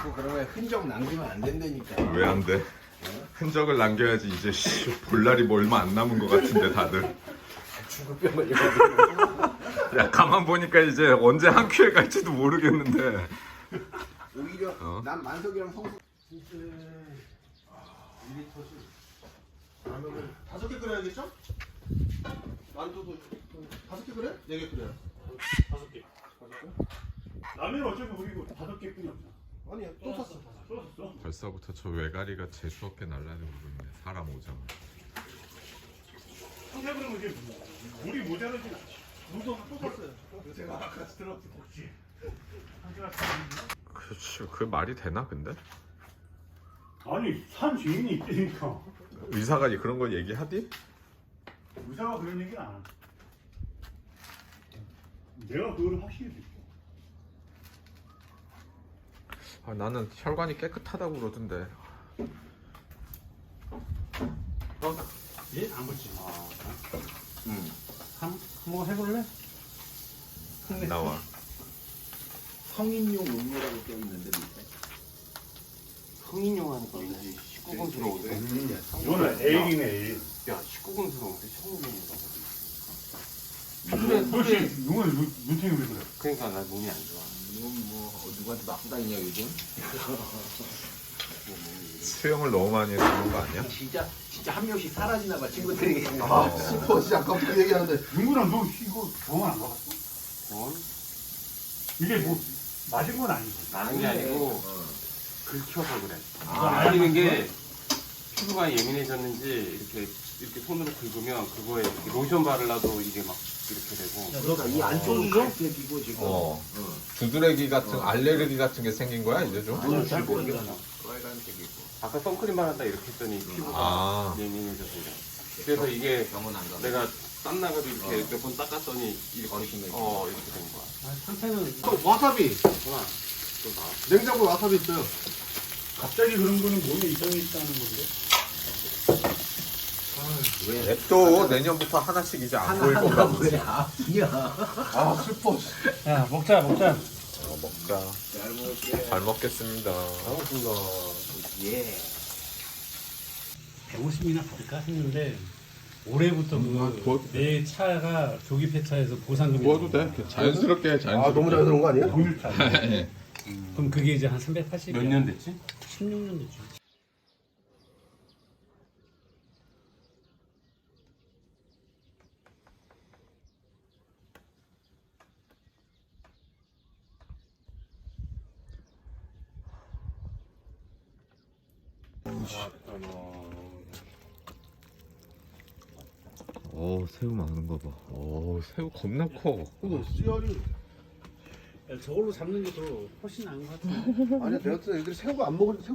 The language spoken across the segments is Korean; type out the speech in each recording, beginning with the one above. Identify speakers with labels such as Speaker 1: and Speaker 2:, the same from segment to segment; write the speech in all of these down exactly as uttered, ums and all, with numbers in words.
Speaker 1: 자꾸 그러면 흔적 남기면 안 된다니까.
Speaker 2: 왜 안 돼? 흔적을 남겨야지. 이제 씨, 볼 날이 뭐 얼마 안 남은 것 같은데 다들.
Speaker 1: 죽을 병 걸려가지고.
Speaker 2: 야 가만 보니까 이제 언제 한 큐에 갈지도 모르겠는데.
Speaker 1: 오히려
Speaker 2: 어?
Speaker 1: 난 만석이랑 성수. 진짜 이 리터씩. 라면을 다섯 개 끓여야겠죠? 만두도 다섯 개 끓여? 네 개 끓여.
Speaker 3: 다섯 개. 라면 어차피 우리 이거 다섯 개 뿐이 없잖아.
Speaker 1: 아니야 또 샀어.
Speaker 3: 또 샀어?
Speaker 2: 벌써부터 저 외가리가 재수없게 날라오고 있네. 사람 오자마자.
Speaker 3: 한개 그러면 이게 물이 모자라진 않지.
Speaker 1: 물도 또 샀어요. 제가 아까 들었지.
Speaker 3: 혹시 한 개가 사
Speaker 2: 그렇지. 그 말이 되나 근데?
Speaker 3: 아니 산 주인이 있다니까.
Speaker 2: 의사가 그런 걸 얘기하디?
Speaker 3: 의사가 그런 얘기는 안 해. 내가 그거를 확실히 느껴.
Speaker 2: 아, 나는 혈관이 깨끗하다고 그러던데.
Speaker 3: 예? 안 붙지. 아,
Speaker 1: 응.
Speaker 3: 한, 한번 해볼래?
Speaker 2: 안 나와.
Speaker 1: 성인용 음료라고 써 있는데 밑에.
Speaker 4: 성인용 하니까 왠지 십구 금스러운데?
Speaker 1: 음.
Speaker 3: 이거는 에일이네 에일.
Speaker 4: 야, 십구 금스러운데 성인용이라고.
Speaker 3: 그래, 그렇지. 이건 눈탱이 왜 그래?
Speaker 4: 그러니까 나 몸이 안 좋아.
Speaker 1: 이건 뭐 어, 누구한테 맞고 다니냐 요즘?
Speaker 2: 수영을 너무 많이 해서 그런 거 아니야?
Speaker 1: 진짜 진짜 한 명씩 사라지나 봐 친구들이.
Speaker 2: 아,
Speaker 1: 슬퍼 진짜 아까 그 얘기하는데.
Speaker 3: 윤구랑 너 이거 병원 안 가봤어?
Speaker 4: 어?
Speaker 3: 이게 뭐 맞은 건 아니지.
Speaker 4: 나는 게 아니고 긁혀서 그래.
Speaker 3: 아,
Speaker 4: 걸리는 게 피부가 예민해졌는지 이렇게 이렇게 손으로 긁으면 그거에 이렇게 로션 바르려도 이게 막 이렇게 되고.
Speaker 1: 그러니까 이 안쪽은 갈색이고 지금.
Speaker 2: 어. 두드레기 같은 알레르기 같은 게 생긴 거야 이제 좀?
Speaker 1: 아니 잘 모르겠어. 빨간색이고.
Speaker 4: 아까 선크림 바른다 이렇게 했더니 피부가
Speaker 2: 아.
Speaker 4: 예민해져서 그래. 그래서 이게
Speaker 1: 병원 안 가.
Speaker 4: 내가 땀 나가도 이렇게 몇 번 닦았더니 이렇게
Speaker 1: 어르신들.
Speaker 4: 어 이렇게 된 거야.
Speaker 3: 상태는
Speaker 1: 또 와사비.
Speaker 4: 그렇구나. 또 나.
Speaker 1: 냉장고에 와사비 있어요.
Speaker 3: 갑자기 그런 거는 몸에 이상이 있다는 건데.
Speaker 1: 왜?
Speaker 2: 앱도 내년부터 하나씩 이제 안 보일 건가 보지.
Speaker 1: 왜 아프냐? 아 슬퍼.
Speaker 3: 야 먹자 먹자.
Speaker 2: 어, 먹자.
Speaker 1: 잘 먹을게.
Speaker 2: 잘 먹겠습니다.
Speaker 1: 반갑습니다. 예.
Speaker 3: 백오십이나 받을까 했는데 올해부터
Speaker 2: 음, 아, 뭐-
Speaker 3: 그 내 차가 조기 폐차해서 보상금이
Speaker 2: 구워도 돼.
Speaker 3: 나오는
Speaker 2: 자연스럽게 자연스럽게.
Speaker 1: 아 너무 잘 들은 거 아니에요?
Speaker 3: 공일차.
Speaker 2: 예.
Speaker 3: 그럼 그게 이제 한 삼백팔십.
Speaker 4: 몇 년 됐지?
Speaker 3: 십육 년 됐죠.
Speaker 2: 오 새우 많은 거 봐. 오 새우 겁나 커.
Speaker 1: 그거 씨알이.
Speaker 3: 야, 저걸로 잡는 게 더 훨씬 나은 것 같아.
Speaker 1: 아니 내가 또 애들이 새우가 안 먹을 새우.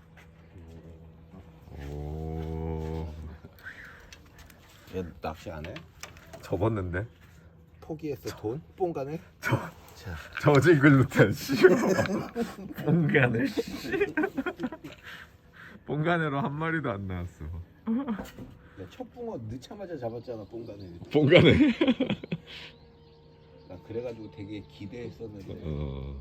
Speaker 2: 오
Speaker 1: 얘 낚시 안 해?
Speaker 2: 접었는데.
Speaker 1: 포기했어 돈? 뽕가네?
Speaker 2: 저직을 못한 씨. 뽕간을 씨. 뽕간으로 한 마리도 안 나왔어.
Speaker 1: 첫 붕어 넣자마자 잡았잖아 뽕가네.
Speaker 2: 뽕간을.
Speaker 1: 나 그래가지고 되게 기대했었는데.
Speaker 2: 어.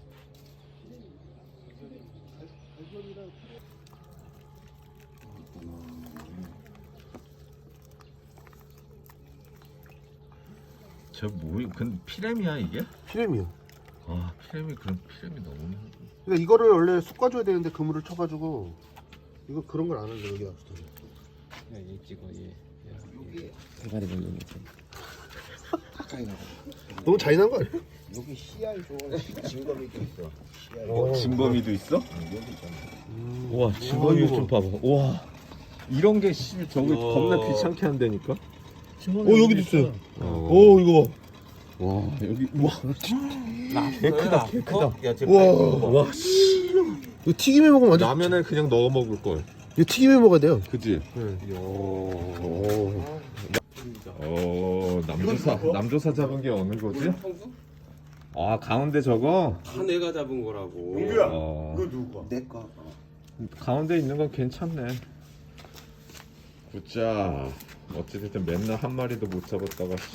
Speaker 2: 저 뭐야? 근데 피렘이야 이게?
Speaker 1: 피렘이요.
Speaker 2: 아 피렘이 그럼 피렘이 너무.
Speaker 1: 그러니까 이거를 원래 솎아줘야 되는데 그물을 쳐가지고 이거 그런 걸 안 하는데 여기 와서.
Speaker 4: 얘 찍어 얘.
Speaker 1: 여기
Speaker 4: 대가리 벌리는 거.
Speaker 1: 가까이 나가.
Speaker 5: 너무 잔인한 거 아니야?
Speaker 1: 여기 씨알 좋은 진검이도 있어. 씨알.
Speaker 2: 어, 진범이도 있어?
Speaker 1: 여기 있잖아.
Speaker 2: 와 진범이 좀 봐봐. 와 이런 게 씨 저기
Speaker 4: 우와.
Speaker 2: 겁나 귀찮게 한다니까.
Speaker 5: 어 여기도 있어요.
Speaker 2: 어.
Speaker 5: 오 이거
Speaker 2: 와 여기 와 개 크다 개 크다.
Speaker 4: 야, 쟤
Speaker 5: 봐. 와
Speaker 2: 와 씨.
Speaker 5: 이거 튀김에 먹으면 완전.
Speaker 2: 라면에 그냥 넣어 먹을 걸.
Speaker 5: 이거 튀김에 먹어야 돼요.
Speaker 2: 그지? 오. 어 남조사 남조사 잡은 게 어느 거지? 아 가운데 저거.
Speaker 4: 다 내가 잡은 거라고.
Speaker 3: 용규야.
Speaker 2: 어.
Speaker 3: 이거 누구 거?
Speaker 1: 내 거.
Speaker 2: 가운데 있는 건 괜찮네. 굿자. 어찌됐든 맨날 한 마리도 못 잡았다가